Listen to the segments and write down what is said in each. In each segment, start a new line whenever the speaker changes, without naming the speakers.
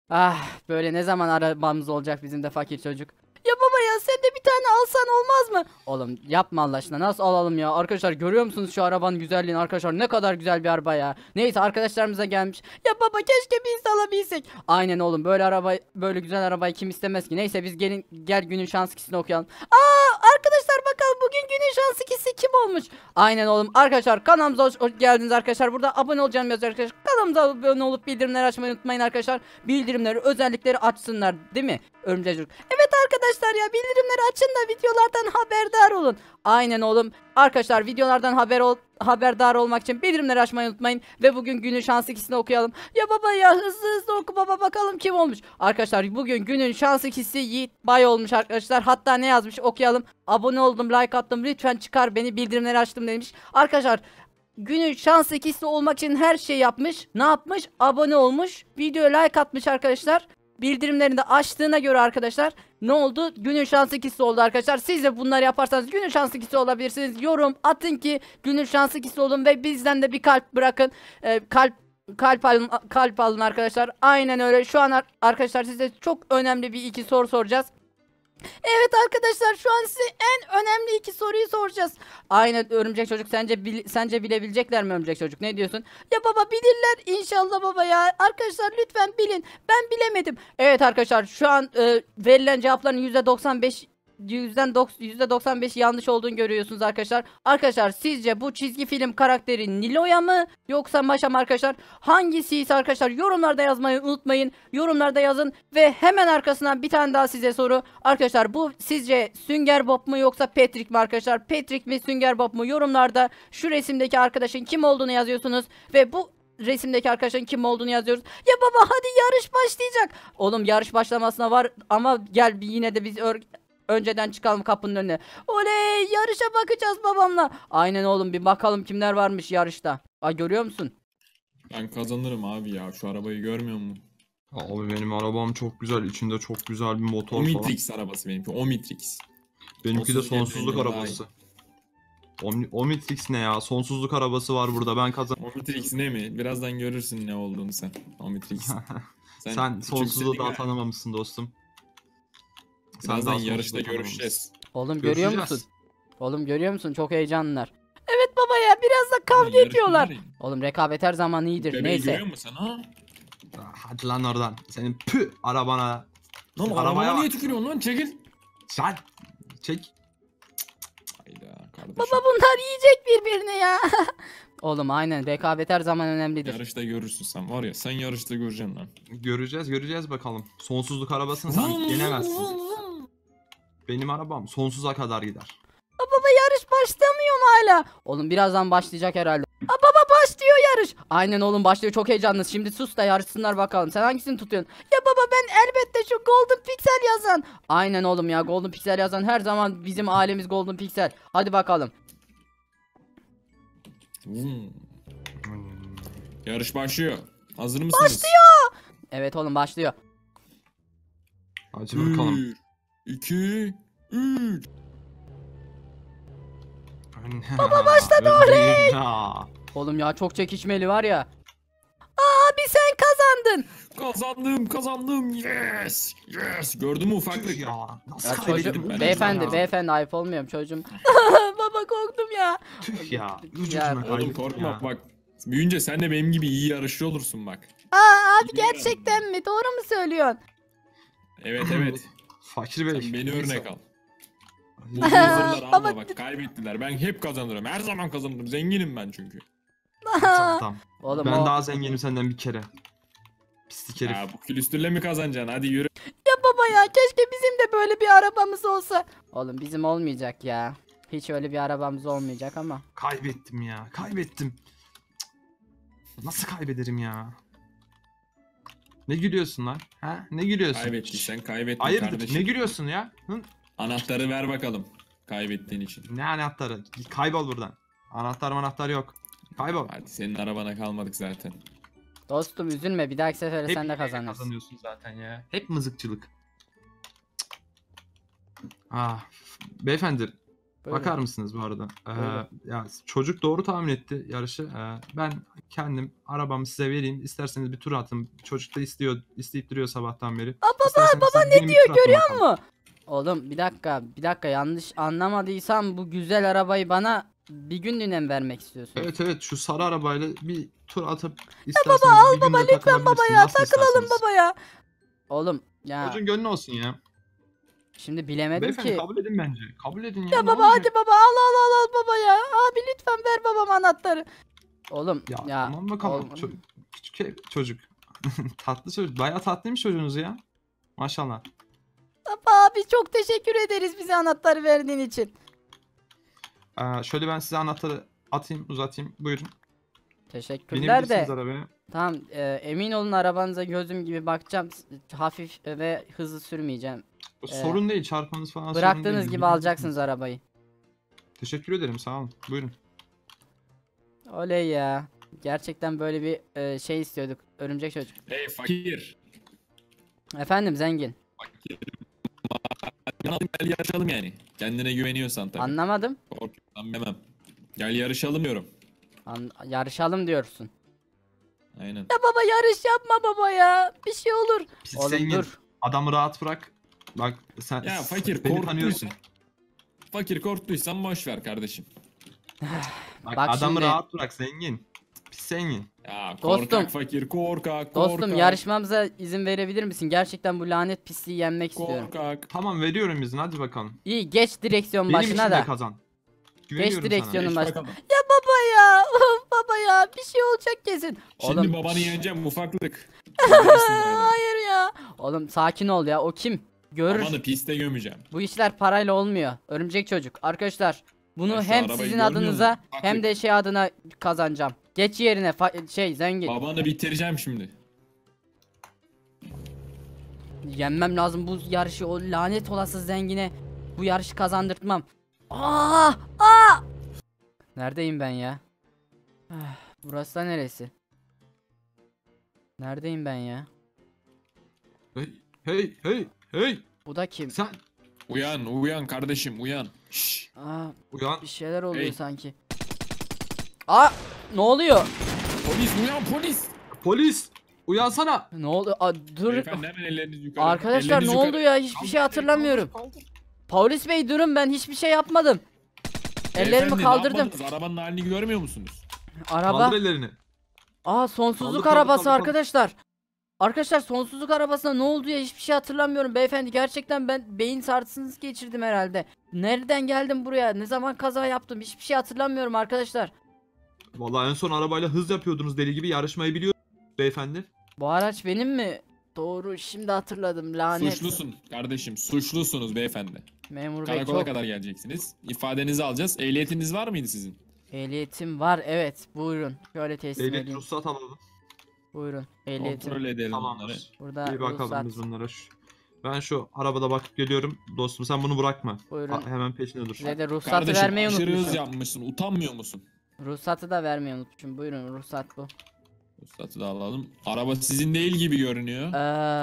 Ah, böyle ne zaman arabamız olacak bizim de fakir çocuk. Ya baba ya sen de bir tane alsan olmaz mı? Oğlum yapma Allah aşkına, nasıl alalım ya? Arkadaşlar görüyor musunuz şu arabanın güzelliğini arkadaşlar, ne kadar güzel bir araba ya. Neyse arkadaşlarımıza gelmiş. Ya baba keşke biz de alabilsek. Aynen oğlum, böyle araba, böyle güzel arabayı kim istemez ki? Neyse biz gelin, gel günün şans ikisini okuyalım. Arkadaşlar bakalım bugün günün şans ikisi kim olmuş? Aynen oğlum, arkadaşlar kanalımıza hoş geldiniz arkadaşlar. Burada abone olacağım yazıyor arkadaşlar. Kanalımıza abone olup bildirimleri açmayı unutmayın arkadaşlar. Bildirimleri özellikleri açsınlar, değil mi Örümcek Çocuk? Evet arkadaşlar ya, bildirimleri açın da videolardan haberdar olun. Aynen oğlum. Arkadaşlar videolardan haberdar olmak için bildirimleri açmayı unutmayın. Ve bugün günün şans ikisini okuyalım. Ya baba ya, hızlı hızlı oku baba, bakalım kim olmuş. Arkadaşlar bugün günün şans ikisi Yiğit Bay olmuş arkadaşlar. Hatta ne yazmış okuyalım. Abone oldum, like attım, lütfen çıkar beni, bildirimleri açtım demiş. Arkadaşlar günün şans ikisi olmak için her şey yapmış. Ne yapmış? Abone olmuş, videoya like atmış arkadaşlar. Bildirimlerini de açtığına göre arkadaşlar ne oldu? Günün şans ikisi oldu arkadaşlar. Siz de bunları yaparsanız günün şans ikisi olabilirsiniz. Yorum atın ki günün şans ikisi olun ve bizden de bir kalp bırakın. Kalp alın arkadaşlar. Aynen öyle. Şu an arkadaşlar size çok önemli bir iki soru soracağız. Evet arkadaşlar, şu an size en önemli iki soruyu soracağız. Aynen Örümcek Çocuk, sence bilebilecekler mi Örümcek Çocuk? Ne diyorsun? Ya baba bilirler inşallah baba ya. Arkadaşlar lütfen bilin. Ben bilemedim. Evet arkadaşlar şu an verilen cevapların %95 yanlış olduğunu görüyorsunuz arkadaşlar. Arkadaşlar sizce bu çizgi film karakteri Nilo'ya mı yoksa Maşa mı arkadaşlar? Hangisi ise arkadaşlar yorumlarda yazmayı unutmayın. Yorumlarda yazın ve hemen arkasından bir tane daha size soru. Arkadaşlar bu sizce Sünger Bob mu yoksa Patrick mi arkadaşlar? Patrick mi Sünger Bob mu? Yorumlarda şu resimdeki arkadaşın kim olduğunu yazıyorsunuz ve bu resimdeki arkadaşın kim olduğunu yazıyoruz. Ya baba hadi yarış başlayacak. Oğlum yarış başlamasına var ama gel bir yine de biz önceden çıkalım kapının önüne. Oley, yarışa bakacağız babamla. Aynen oğlum, bir bakalım kimler varmış yarışta. Ay görüyor musun?
Ben kazanırım abi ya. Şu arabayı görmüyor musun?
Abi benim arabam çok güzel. İçinde çok güzel bir motor falan.
Omnitrix arabası benimki. Omnitrix.
Benimki de sonsuzluk
Daha iyi.
arabası. Omnitrix ne ya? Sonsuzluk arabası var burada. Ben kazan.
Omnitrix ne mi? Birazdan görürsün ne olduğunu sen. Omnitrix.
Sen sonsuzluğu daha tanımamışsın dostum.
Birazdan
daha
yarışta
sonsuzluğu
görüşeceğiz.
Oğlum görüyor
Görüşeceğiz.
musun? Oğlum görüyor musun? Çok heyecanlılar. Evet baba ya, biraz da kavga
Yarışma
ediyorlar.
var ya.
Oğlum rekabet her zaman iyidir.
Bebeği
Neyse.
görüyor musun ha?
Hadi lan oradan. Senin pü arabana.
Lan
Arabaya
arabaya niye
bak.
tükürüyorsun lan? Çekil.
Sen çek.
Hayda kardeşim.
Baba bunlar yiyecek birbirini ya. Oğlum aynen, rekabet her zaman önemlidir.
Yarışta görürsün sen var ya, sen yarışta göreceksin lan.
Göreceğiz bakalım. Sonsuzluk arabasını sen yenemezsin. Benim arabam sonsuza kadar gider.
Baba yarış başlamıyor mu hala? Oğlum birazdan başlayacak herhalde. Baba başlıyor yarış. Aynen oğlum başlıyor, çok heyecanlı. Şimdi sus da yarışsınlar bakalım. Sen hangisini tutuyorsun? Ya baba ben elbette şu Golden Pixel yazan. Aynen oğlum ya, Golden Pixel yazan her zaman bizim ailemiz Golden Pixel. Hadi bakalım.
Hmm. Yarış başlıyor. Hazır mısınız?
Evet oğlum başlıyor.
Hadi bakalım.
1, 2, 3.
Baba başladı oley.
Oğlum ya çok çekişmeli var ya. Abi sen kazandın.
Kazandım. Yes. Gördün mü ufaklık?
Ya nasıl
Ya
kaybettim
çocuğum,
ben
beyefendi
ya?
beyefendi ayıp olmuyor mu çocuğum? Baba korktum ya.
Tüh ya.
Ya,
Ucuna
Oğlum
kaybettim
korkma
ya.
bak. Büyünce sen de benim gibi iyi yarışçı olursun bak.
Abi gerçekten mi? Doğru mu söylüyorsun?
Evet.
Fakir bey.
Sen beni
neyse.
örnek al. Bu loserlar alma
Baba-
bak, kaybettiler. Ben hep kazanırım. Her zaman kazanırım. Zenginim ben çünkü.
Tamam.
Oğlum
Ben
o...
daha zenginim senden bir kere. Pislik herif.
Ya bu külüstürle mi kazanacaksın? Hadi yürü.
Ya baba ya, keşke bizim de böyle bir arabamız olsa. Oğlum bizim olmayacak ya. Hiç öyle bir arabamız olmayacak ama.
Kaybettim ya. Kaybettim. Cık. Nasıl kaybederim ya? Ne gülüyorsun lan? Ha? Ne gülüyorsun?
Kaybettin, kaybettin
Hayırdır?
kardeşim.
Ne gülüyorsun ya? Hı?
Anahtarı ver bakalım. Kaybettiğin için.
Ne anahtarı? Kaybol buradan. Anahtar yok. Kaybol.
Hadi senin arabana kalmadık zaten.
Dostum üzülme, bir dahaki sefere
Hep
sen de
yine
kazanırsın.
kazanıyorsun zaten ya. Hep mızıkçılık. Ah, beyefendi.
Buyurun.
Bakar mısınız bu arada?
Buyurun.
Ya çocuk doğru tahmin etti yarışı. Ben kendim arabamı size vereyim. İsterseniz bir tur atın. Çocuk da isteyip duruyor sabahtan beri. Baba ne diyor
Görüyor musun? Oğlum bir dakika yanlış anlamadıysam bu güzel arabayı bana bir günlüğüne mi vermek istiyorsun?
Evet şu sarı arabayla bir tur atıp isterseniz bir günde
Lütfen baba ya
Nasıl
takılalım
isterseniz.
baba ya. Oğlum ya
Çocuğun gönlü olsun ya.
şimdi bilemedim
Beyefendi
ki.
kabul edin bence. Kabul edin ya.
Ya
ne
baba
olacak?
hadi baba al baba ya. Abi lütfen ver babama anahtarı. Oğlum
Ya,
ya.
tamam bakalım.
oğlum.
Küçük çocuk. Tatlı çocuk. Bayağı tatlıymış çocuğunuz ya. Maşallah.
Baba abi çok teşekkür ederiz bize anahtarı verdiğin için.
Şöyle ben size anahtarı atayım, uzatayım. Buyurun.
Teşekkürler
Binebilirsiniz
de.
arabaya.
Tamam emin olun arabanıza gözüm gibi bakacağım. Hafif ve hızlı sürmeyeceğim.
Sorun değil. Çarpmanız falan sorun
Bıraktığınız
değil.
gibi
Gidebilirsiniz.
alacaksınız arabayı.
Teşekkür ederim. Sağ olun. Buyurun.
Oley ya. Gerçekten böyle bir şey istiyorduk. Örümcek çocuk.
Hey fakir.
Efendim zengin.
Fakir. Gel yarışalım yani. Kendine güveniyorsan tabii.
Anlamadım.
Korkuyorsan demem. Gel yarışalım diyorum.
Yarışalım diyorsun.
Aynen.
Ya baba yarış yapma baba ya. Bir şey olur.
Pis
Oğlum
zengin.
dur.
Adamı rahat bırak. Bak sen
Ya fakir
beni tanıyorsun.
korktuysan. Fakir korktuysan boş ver kardeşim.
Bak,
Bak
adamı
şimdi-
rahat bırak zengin. Pis zengin.
Ya
Dostum.
korkak fakir korkak.
Dostum yarışmamıza izin verebilir misin? Gerçekten bu lanet pisliği yenmek istiyorum.
Korkak.
Tamam veriyorum izin hadi bakalım.
İyi geç direksiyon
Benim
başına
için de
da.
kazan.
Geç
Güveniyorum
direksiyonun
Geç
başına.
bakalım.
Ya baba ya. Baba ya bir şey olacak kesin.
Şimdi
Oğlum,
babanı yeneceğim ufaklık.
hayır ya. Oğlum sakin ol ya. O kim? Görür.
Babanı piste gömeceğim.
Bu işler parayla olmuyor. Örümcek çocuk. Arkadaşlar bunu
Ya şu
hem
arabayı
sizin
görmüyor
adınıza
musun? Bak,
hem de şey adına kazanacağım. Geç yerine zengin.
Babanı bitireceğim şimdi.
Yenmem lazım bu yarışı, o lanet olası zengine bu yarışı kazandırtmam. Aa! Aa! Neredeyim ben ya? Ah, burası da neresi? Neredeyim ben ya?
Hey.
Bu da kim?
Sen
Uyan kardeşim uyan. Şşş.
Aa,
uyan.
bir şeyler oluyor
Hey.
sanki. Aa! Ne oluyor?
Polis uyan polis.
Polis. Uyansana.
Ne oldu? Aa, dur.
Beyefendi hemen ellerinizi yukarı.
Arkadaşlar
Ellerinizi
ne
yukarı.
oldu ya? Hiçbir şey hatırlamıyorum. Polis bey durun, ben hiçbir şey yapmadım. Ellerimi
Beyefendi, ne
kaldırdım.
yapmadınız? Arabanın halini görmüyor musunuz?
Araba.
Kaldır ellerini.
Aa sonsuzluk
Kaldır,
arabası
kaldır.
arkadaşlar. Arkadaşlar sonsuzluk arabasına ne oldu ya, hiçbir şey hatırlamıyorum beyefendi. Gerçekten ben beyin sarsıntısı geçirdim herhalde. Nereden geldim buraya? Ne zaman kaza yaptım? Hiçbir şey hatırlamıyorum arkadaşlar.
Vallahi en son arabayla hız yapıyordunuz deli gibi, yarışmayı biliyor beyefendi.
Bu araç benim mi? Doğru, şimdi hatırladım, lanet.
Suçlusun kardeşim. Suçlusunuz beyefendi.
Memur bey
Karakola
çok.
kadar geleceksiniz. İfadenizi alacağız. Ehliyetiniz var mıydı sizin?
Ehliyetim var, evet, buyurun. Şöyle teslim
Ehliyet
edeyim.
ruhsat alalım.
Buyurun ehliyetim.
Kontrol edelim bunları.
Tamamdır.
Burada
Bir bakalım
ruhsat.
biz bunlara. Ben şu arabada bakıp geliyorum. Dostum sen bunu bırakma.
Buyurun.
Hemen peşine dur.
Size de ruhsatı
Kardeşim
vermeyi
aşırı hız
unutmuşum.
yapmışsın. Utanmıyor musun?
Ruhsatı da vermeyi unutmuşum. Buyurun, ruhsat bu.
Ruhsatı da alalım. Araba sizin değil gibi görünüyor.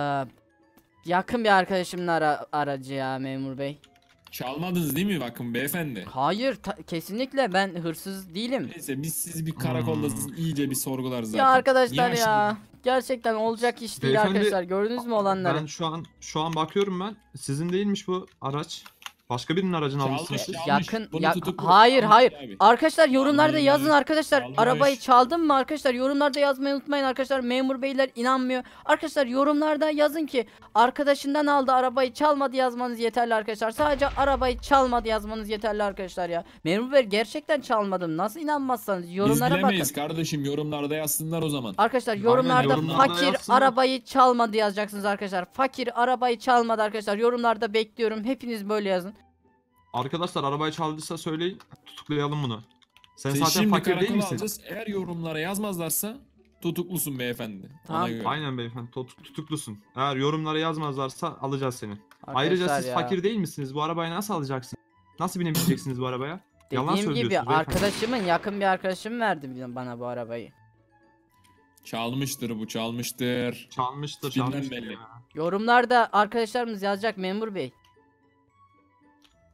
Yakın bir arkadaşımın aracı ya memur bey.
Çalmadınız değil mi bakın beyefendi?
Hayır, kesinlikle ben hırsız değilim.
Neyse biz sizi bir karakolda iyice bir sorgularız zaten.
Ya arkadaşlar
Niye
ya. Gerçekten olacak iş değil
Beyefendi,
arkadaşlar. Gördünüz mü olanları?
Ben şu an bakıyorum ben. Sizin değilmiş bu araç. Başka birinin aracını
Çalmış,
almışsınız siz.
çalmış.
Yakın
Bunu
ya,
tutuklu.
hayır
Çalmış
hayır.
abi.
Arkadaşlar yorumlarda
Çalmış.
yazın arkadaşlar.
Çalmış.
Arabayı çaldım mı arkadaşlar? Yorumlarda yazmayı unutmayın arkadaşlar. Memur beyler inanmıyor. Arkadaşlar yorumlarda yazın ki arkadaşından aldı, arabayı çalmadı yazmanız yeterli arkadaşlar. Sadece arabayı çalmadı yazmanız yeterli arkadaşlar ya. Memur bey gerçekten çalmadım. Nasıl inanmazsanız
Biz
yorumlara bakın.
bilemeyiz kardeşim, yorumlarda yazsınlar o zaman.
Arkadaşlar yorumlarda
yorumlarda
fakir
yazsınlar.
arabayı çalmadı yazacaksınız arkadaşlar. Fakir arabayı çalmadı arkadaşlar. Yorumlarda bekliyorum. Hepiniz böyle yazın.
Arkadaşlar arabayı çaldıysa söyleyin. Tutuklayalım bunu. Sen
Seni
zaten
şimdi
fakir değil
karakola
misin?
alacağız. Eğer yorumlara yazmazlarsa tutuklusun beyefendi.
Tamam.
Ona göre.
Aynen beyefendi tutuklusun. Eğer yorumlara yazmazlarsa alacağız seni. Ayrıca
Arkadaşlar
siz
ya.
fakir değil misiniz? Bu arabayı nasıl alacaksınız? Nasıl binebileceksiniz bu arabaya? Yalan
Dediğim gibi
söylüyorsunuz beyefendi.
arkadaşımın, yakın bir arkadaşım verdi bana bu arabayı.
Çalmıştır bu, çalmıştır.
Çalmıştır,
Tipinden
çalmıştır
belli.
ya.
Yorumlarda arkadaşlarımız yazacak memur bey.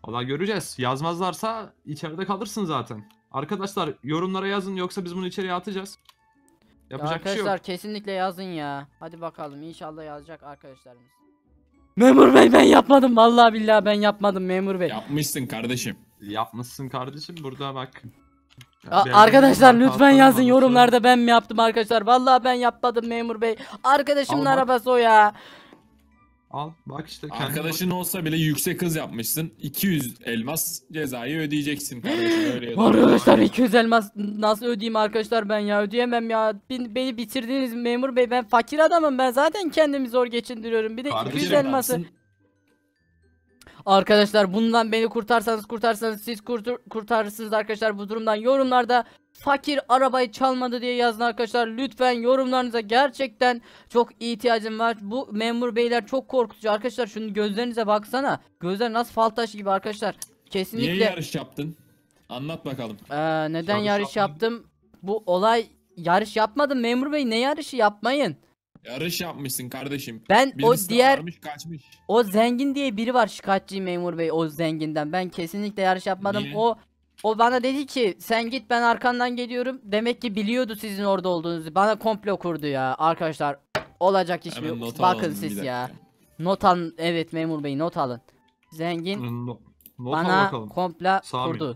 Valla göreceğiz. Yazmazlarsa içeride kalırsın zaten. Arkadaşlar yorumlara yazın yoksa biz bunu içeriye atacağız. Yapacak bir şey yok.
Arkadaşlar kesinlikle yazın ya. Hadi bakalım inşallah yazacak arkadaşlarımız. Memur bey ben yapmadım vallahi billahi ben yapmadım memur bey.
Yapmışsın kardeşim.
Yapmışsın kardeşim burada bak.
Arkadaşlar lütfen
Hatalarım
yazın
var,
yorumlarda ben mi yaptım arkadaşlar. Vallahi ben yapmadım memur bey. Arkadaşımın
Al bak.
arabası o ya.
Al bak işte kendin
Arkadaşın olsa bile yüksek hız yapmışsın. 200 elmas cezayı ödeyeceksin kardeşim, öyle ya da böyle.
Arkadaşlar 200 elmas nasıl ödeyeyim arkadaşlar ben ya ödeyemem ya. Beni bitirdiniz memur bey, ben fakir adamım, ben zaten kendimi zor geçindiriyorum. Bir de
Kardeşim
200
Fakir
elması.
adamsın.
Arkadaşlar bundan beni kurtarsanız siz kurtarırsınız arkadaşlar bu durumdan. Yorumlarda fakir arabayı çalmadı diye yazın arkadaşlar. Lütfen yorumlarınıza gerçekten çok ihtiyacım var. Bu memur beyler çok korkutucu arkadaşlar. Şunun gözlerinize baksana. Gözler nasıl fal taşı gibi arkadaşlar. Kesinlikle.
Niye yarış yaptın? Anlat bakalım.
Yarış
Neden yarış
yapmadın.
yaptım? Bu olay yarış yapmadım memur bey, ne yarışı, yapmayın.
Yarış yapmışsın kardeşim.
Ben
Birisi
o diğer
varmış, kaçmış.
o zengin diye biri var, şikayetçiyim memur bey o zenginden. Ben kesinlikle yarış yapmadım.
Niye?
O bana dedi ki sen git ben arkandan geliyorum. Demek ki biliyordu sizin orada olduğunuzu. Bana komplo kurdu ya arkadaşlar. Olacak iş
Hemen
mi?
not
Bakın
alalım bir
siz ya.
dakika.
Not alın. Evet memur bey not alın. Zengin
Not al
bana
bakalım.
komplo
Sami.
kurdu.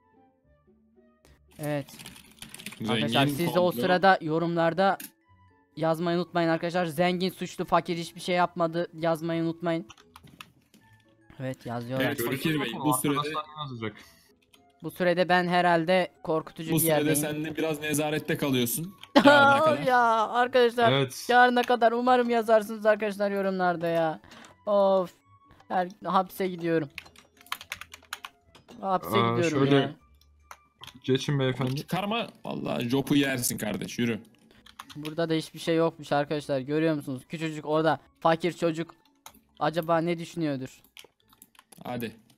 Evet.
Zengin
Arkadaşlar siz de o
komplo.
sırada yorumlarda yazmayı unutmayın arkadaşlar. Zengin suçlu, fakir hiçbir şey yapmadı yazmayı unutmayın. Evet yazıyorlar.
Evet, Fakir Bey, bu sürede-
Arkadaşlar ne yazacak?
Bu sürede ben herhalde korkutucu
Bu
bir
sürede
yerdeyim.
sen de biraz nezarette kalıyorsun. Yarına kadar.
Ya arkadaşlar
Evet.
yarına kadar umarım yazarsınız arkadaşlar yorumlarda ya. Of. Hapse gidiyorum. Hapse gidiyorum
şöyle-
ya.
Geçin beyefendi.
Çıkarma. Vallahi jopu yersin kardeş, yürü.
Burada da hiçbir şey yokmuş arkadaşlar. Görüyor musunuz? Küçücük orada fakir çocuk. Acaba ne düşünüyordur?
Hadi.